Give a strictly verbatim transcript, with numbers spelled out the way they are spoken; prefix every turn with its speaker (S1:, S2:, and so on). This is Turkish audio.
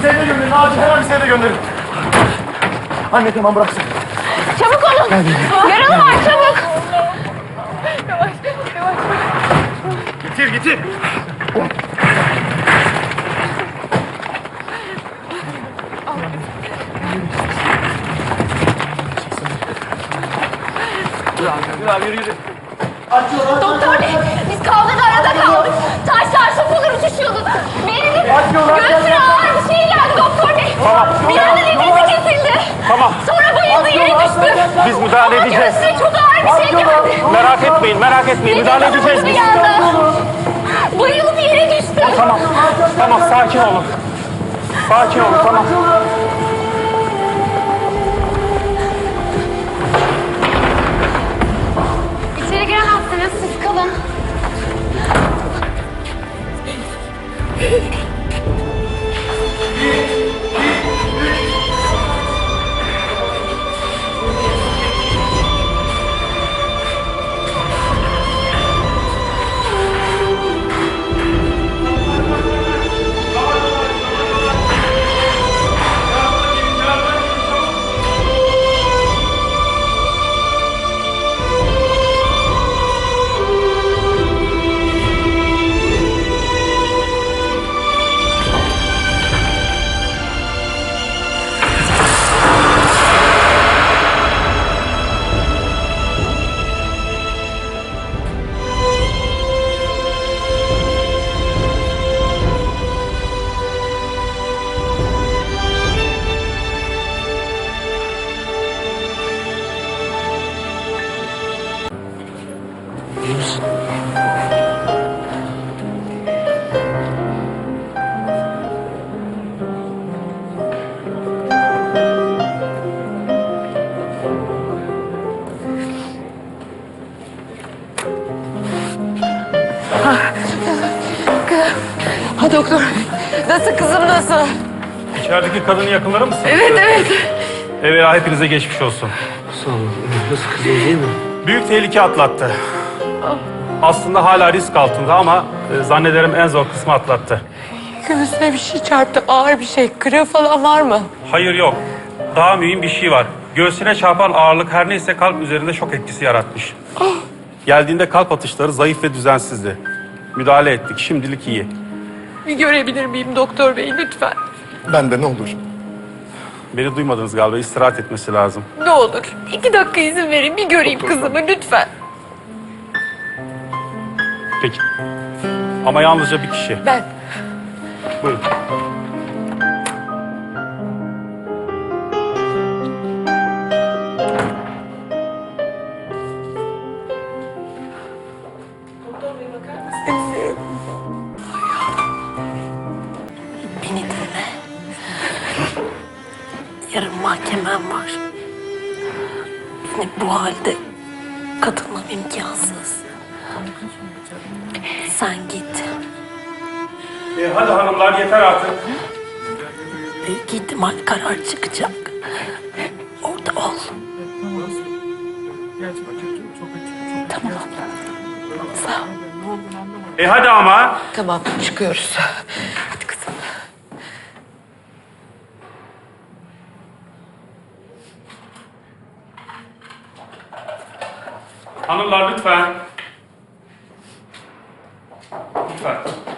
S1: Seyde gönderin, acil hemen bir seyde gönderin. Anne tamam bıraksın.
S2: Çabuk olun. Yaralı var çabuk. Yavaş, yavaş.
S1: Getir, getir. Yürü abi, yürü, yürü.
S2: Doktor bey, biz kavgada arada kaldık. Taşlar, sopalar uçuşuyordu. Benim göğsüne ağır bir şey geldi doktor bey.
S1: Tamam,
S2: Bir anda nefesi kesildi.
S1: Tamam.
S2: Sonra bayıldı, yere düştü.
S1: Biz müdahale
S2: Ama
S1: edeceğiz.
S2: göğsüne çok ağır bir şey geldi.
S1: Merak etmeyin, merak etmeyin. Müdahale edeceğiz biz.
S2: Bayılıp yere düştü.
S1: Tamam, tamam sakin olun. Sakin olun, tamam.
S2: İçeri giremezsiniz, siz kalın. Ha doktor, nasıl kızım nasıl?
S1: İçerideki kadının yakınları mısın?
S2: Evet evet.
S1: Evet, hepinize geçmiş olsun.
S3: Sağ olun. Nasıl kızım değil mi?
S1: Büyük tehlike atlattı. Aslında hala risk altında ama e, zannederim en zor kısmı atlattı.
S4: Göğsüne bir şey çarptı, ağır bir şey. Kırığı falan var mı?
S1: Hayır yok. Daha mühim bir şey var. Göğsüne çarpan ağırlık her neyse kalp üzerinde şok etkisi yaratmış. Geldiğinde kalp atışları zayıf ve düzensizdi. Müdahale ettik. Şimdilik iyi.
S4: Bir görebilir miyim doktor bey lütfen?
S5: Ben de ne olur.
S1: Beni duymadınız galiba. İstirahat etmesi lazım.
S4: Ne olur. İki dakika izin verin, bir göreyim kızımı lütfen.
S1: Peki. Ama yalnızca bir kişi.
S4: Ben.
S1: Buyurun.
S6: Beni dinle. Yarın mahkemem var. Beni bu halde katılmam imkansız. Sen git.
S1: E, hadi hanımlar yeter artık.
S6: Büyük ihtimal karar çıkacak. Orada ol. Tamam. Sağ ol.
S1: E hadi ama.
S4: Tamam, çıkıyoruz. Hadi kızım.
S1: Hanımlar lütfen. Lütfen.